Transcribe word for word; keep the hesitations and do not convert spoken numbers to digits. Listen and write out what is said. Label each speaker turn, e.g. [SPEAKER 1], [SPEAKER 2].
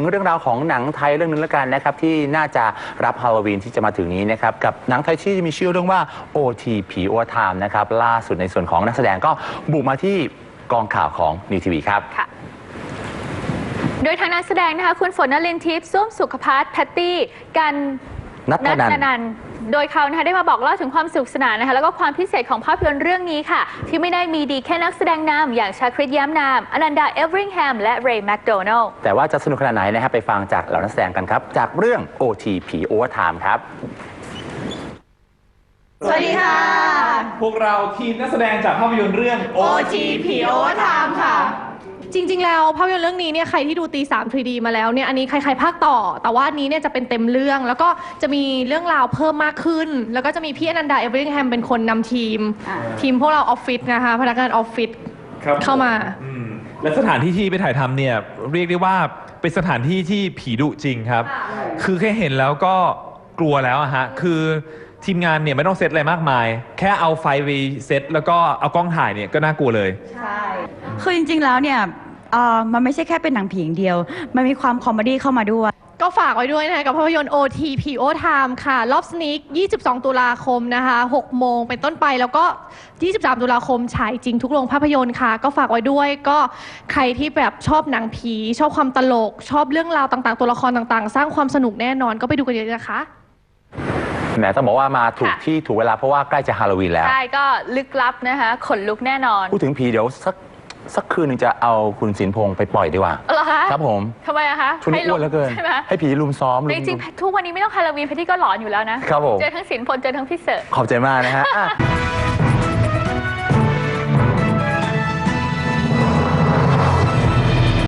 [SPEAKER 1] เรื่องราวของหนังไทยเรื่องนึงแล้วกันนะครับที่น่าจะรับฮาโลวีนที่จะมาถึงนี้นะครับกับหนังไทยที่มีชื่อเรื่องว่า โอ ที ผี Overtime นะครับล่าสุดในส่วนของนักแสดงก็บุกมาที่กองข่าวของ นิว ที วี ครับ
[SPEAKER 2] โดยทางนักแสดงนะคะคุณฝนนลินทิพย์ส้วมสุขภัทรแพตตี้กัน
[SPEAKER 1] นัทนันท์
[SPEAKER 2] โดยเขานะคะได้มาบอกเล่าถึงความสนุกสนานนะคะแล้วก็ความพิเศษของภาพยนตร์เรื่องนี้ค่ะที่ไม่ได้มีดีแค่นักแสดงนำอย่างชาคริตแย้มนามอนันดาเอเวอริงแฮมและเรย์แมคโดนัลด์
[SPEAKER 1] แต่ว่าจะสนุกขนาดไหนนะครับไปฟังจากเหล่านักแสดงกันครับจากเรื่อง โอ ที ผี Overtime ครับ
[SPEAKER 3] สวัสดีค่ะ
[SPEAKER 4] พวกเราทีมนักแสดงจากภาพยนตร์เรื่อง
[SPEAKER 3] โอ ที ผี Overtime ค่ะ
[SPEAKER 5] จริงๆแล้วภาพยนตร์เรื่องนี้เนี่ยใครที่ดูตีสาม ทรี ดี มาแล้วเนี่ยอันนี้ใครๆภาคต่อแต่ว่าอันนี้เนี่ยจะเป็นเต็มเรื่องแล้วก็จะมีเรื่องราวเพิ่มมากขึ้นแล้วก็จะมีพี่อนันดาเอเวอริงแฮมเป็นคนนำทีมทีมพวกเราออฟฟิศนะคะพนักงานออฟฟิศเข้ามา
[SPEAKER 4] และสถานที่ที่ไปถ่ายทำเนี่ยเรียกได้ว่าเป็นสถานที่ที่ผีดุจริงครับคือแค่เห็นแล้วก็กลัวแล้วอะฮะคือทีมงานเนี่ยไม่ต้องเซตอะไรมากมายแค่เอาไฟไปเซตแล้วก็เอากล้องถ่ายเนี่ยก็น่ากลัวเลย
[SPEAKER 3] ใช่คือจริงๆแล้วเนี่ยเอ่อมันไม่ใช่แค่เป็นหนังผีอย่างเดียวมันมีความคอมเมดี้เข้ามาด้วย
[SPEAKER 5] ก็ฝากไว้ด้วยนะคะกับภาพยนตร์ โอ ที ผี Overtime ค่ะรอบสนิกยี่สิบสองตุลาคมนะคะหกโมงเป็นต้นไปแล้วก็ยี่สิบสามตุลาคมฉายจริงทุกโรงภาพยนตร์ค่ะก็ฝากไว้ด้วยก็ใครที่แบบชอบหนังผีชอบความตลกชอบเรื่องราวต่างๆตัวละครต่างๆสร้างความสนุกแน่นอนก็ไปดูกันเยอะๆนะคะ
[SPEAKER 1] แหมต้องบอกว่ามาถูกที่ถูกเวลาเพราะว่าใกล้จะฮาโลวีนแล้ว
[SPEAKER 2] ใช่ก็ลึกลับนะคะขนลุกแน่นอน
[SPEAKER 1] พูดถึงผีเดี๋ยวสักสักคืนนึงจะเอาคุณสินพงษ์ไปปล่อยดีกว่า
[SPEAKER 2] เหรอคะ
[SPEAKER 1] ครับผม
[SPEAKER 2] ทำไมอะคะ
[SPEAKER 1] ช่วงนี้อ้วนเหลือเกินให้ผีลุมซ้อม
[SPEAKER 2] จริงๆทุกวันนี้ไม่ต้องฮาโลวีนพี่ที่ก็หลอนอยู่แล้วนะครับ
[SPEAKER 1] ผม
[SPEAKER 2] เจอทั้งสินพลเจอทั้งพี่เสิร์ช
[SPEAKER 1] ขอบใจมากนะฮะ